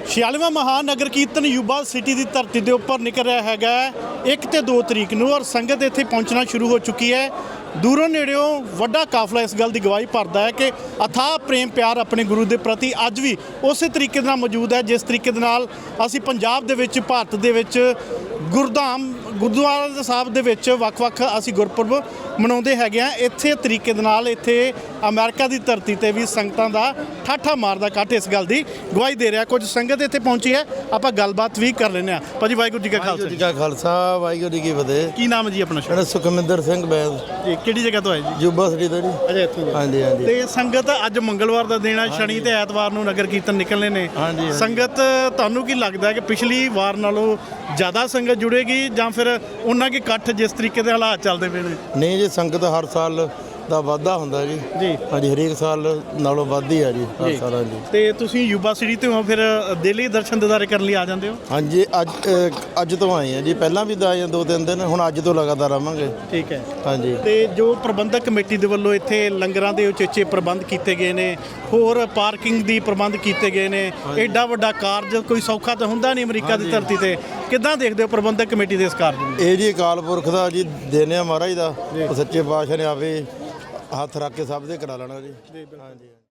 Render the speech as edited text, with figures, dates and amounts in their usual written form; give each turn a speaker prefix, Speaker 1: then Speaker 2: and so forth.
Speaker 1: 46ਵਾਂ ਮਹਾਨਗਰ ਕੀਰਤਨ Yuba city ਦੀ ਧਰਤੀ ਦੇ ਉੱਪਰ ਨਿਕਲ ਰਿਹਾ ਹੈਗਾ 1 ਤੇ 2 ਤਰੀਕ ਨੂੰ ਔਰ ਸੰਗਤ ਇੱਥੇ ਪਹੁੰਚਣਾ ਸ਼ੁਰੂ ਹੋ ਚੁੱਕੀ ਹੈ। ਦੂਰੋਂ ਨੇੜਿਓਂ ਵੱਡਾ ਕਾਫਲਾ ਇਸ ਗੱਲ ਦੀ ਗਵਾਹੀ ਭਰਦਾ ਹੈ ਕਿ ਅਥਾਹ ਪ੍ਰੇਮ ਪਿਆਰ ਆਪਣੇ ਗੁਰੂ ਦੇ ਪ੍ਰਤੀ ਅੱਜ ਵੀ ਉਸੇ ਤਰੀਕੇ ਦੇ ਨਾਲ ਮੌਜੂਦ ਹੈ ਜਿਸ ਤਰੀਕੇ ਦੇ ਨਾਲ ਅਸੀਂ ਪੰਜਾਬ ਦੇ ਵਿੱਚ ਭਾਰਤ ਦੇ ਵਿੱਚ ਗੁਰਧਾਮ ਗੁਰਦੁਆਰਾ ਸਾਹਿਬ ਦੇ ਵਿੱਚ ਵੱਖ-ਵੱਖ ਅਸੀਂ ਗੁਰਪੁਰਬ ਮਨਾਉਂਦੇ ਹੈਗੇ ਆ। ਇੱਥੇ ਤਰੀਕੇ ਦੇ ਨਾਲ ਇੱਥੇ ਅਮਰੀਕਾ ਦੀ ਧਰਤੀ ਤੇ ਵੀ ਸੰਗਤਾਂ ਦਾ ਠਾਠਾ ਮਾਰਦਾ ਇਕੱਠ ਇਸ ਗੱਲ ਦੀ ਗਵਾਹੀ ਦੇ ਰਿਹਾ। ਕੁਝ ਸੰਗਤ ਇੱਥੇ ਪਹੁੰਚੀ ਹੈ, ਆਪਾਂ ਗੱਲਬਾਤ ਵੀ ਕਰ ਲੈਂਦੇ ਹਾਂ। ਭਾਜੀ ਵਾਹਿਗੁਰੂ ਜੀ ਕਾ
Speaker 2: ਖਾਲਸਾ ਵਾਹਿਗੁਰੂ ਜੀ ਕੀ ਫਤਿਹ।
Speaker 1: ਕੀ ਨਾਮ ਹੈ ਜੀ ਆਪਣਾ?
Speaker 2: ਮੇਰਾ ਸੁਖਮਿੰਦਰ ਸਿੰਘ ਬੈਦ
Speaker 1: ਜੀ ਕਿਹੜੀ ਜਗ੍ਹਾ ਤੋਂ ਆਏ ਜੀ?
Speaker 2: ਯੂਬਾ ਸਿਟੀ ਤੋਂ ਜੀ।
Speaker 1: ਅੱਛਾ ਇੱਥੋਂ ਦੇ।
Speaker 2: ਹਾਂਜੀ ਹਾਂਜੀ।
Speaker 1: ਤੇ ਸੰਗਤ ਅੱਜ ਮੰਗਲਵਾਰ ਦਾ ਦਿਨ ਹੈ, ਸ਼ਨੀ ਤੇ ਐਤਵਾਰ ਨੂੰ ਨਗਰ ਕੀਰਤਨ ਨਿਕਲਣੇ ਨੇ।
Speaker 2: ਹਾਂਜੀ।
Speaker 1: ਸੰਗਤ ਤੁਹਾਨੂੰ ਕੀ ਲੱਗਦਾ ਕਿ ਪਿਛਲੀ ਵਾਰ ਨਾਲੋਂ ਜ਼ਿਆਦਾ ਸੰਗਤ ਜੁੜੇਗੀ ਜਾਂ ਫਿਰ ਉਹਨਾਂ ਕੀ ਇਕੱਠ ਜਿਸ ਤਰੀਕੇ ਦੇ ਹਾਲਾਤ ਚੱਲਦੇ ਪਏ ਨੇ?
Speaker 2: ਨਹੀਂ ਜੀ, ਸੰਗਤ ਹਰ ਸਾਲ ਦਾ ਵਾਧਾ ਹੁੰਦਾ ਜੀ।
Speaker 1: ਜੀ
Speaker 2: ਹਾਂਜੀ, ਹਰੇਕ ਸਾਲ ਨਾਲੋਂ ਵੱਧ ਹੀ ਆ ਜੀ ਹਰ ਸਾਲਾਂ ਜੀ।
Speaker 1: ਤੇ ਤੁਸੀਂ ਯੂਬਾ ਸਿਟੀ ਤੋਂ ਹੋ, ਫਿਰ ਦਿੱਲੀ ਦਰਸ਼ਨ ਦਿਦਾਰੇ ਕਰਨ ਲਈ ਆ ਜਾਂਦੇ ਹੋ?
Speaker 2: ਹਾਂਜੀ, ਅੱਜ ਤੋਂ ਆਏ ਆ ਜੀ। ਪਹਿਲਾਂ ਵੀ ਆਏ ਆ 2-3 ਦਿਨ, ਹੁਣ ਅੱਜ ਤੋਂ ਲਗਾਤਾਰ ਆਵਾਂਗੇ।
Speaker 1: ਠੀਕ ਹੈ।
Speaker 2: ਹਾਂਜੀ।
Speaker 1: ਤੇ ਜੋ ਪ੍ਰਬੰਧਕ ਕਮੇਟੀ ਦੇ ਵੱਲੋਂ ਇੱਥੇ ਲੰਗਰਾਂ ਦੇ ਉਚੇਚੇ ਪ੍ਰਬੰਧ ਕੀਤੇ ਗਏ ਨੇ, ਹੋਰ ਪਾਰਕਿੰਗ ਦੀ ਪ੍ਰਬੰਧ ਕੀਤੇ ਗਏ ਨੇ, ਐਡਾ ਵੱਡਾ ਕਾਰਜ ਕੋਈ ਸੌਖਾ ਤਾਂ ਹੁੰਦਾ ਨਹੀਂ ਅਮਰੀਕਾ ਦੀ ਧਰਤੀ ਤੇ। ਕਿੱਦਾਂ ਦੇਖਦੇ ਹੋ ਪ੍ਰਬੰਧਕ ਕਮੇਟੀ ਦੇ ਇਸ ਕਾਰਜ ਨੂੰ?
Speaker 2: ਇਹ ਜੀ ਅਕਾਲ ਪੁਰਖ ਦਾ ਜੀ ਦੇਣ ਆ ਮਹਾਰਾਜ ਦਾ, ਉਹ ਸੱਚੇ ਪਾਤਸ਼ਾਹ ਨੇ ਆਵੇ ਹੱਥ ਰੱਖ ਕੇ ਸਭ ਦੇ ਕਰਾ ਲੈਣਾ ਜੀ। ਹਾਂਜੀ।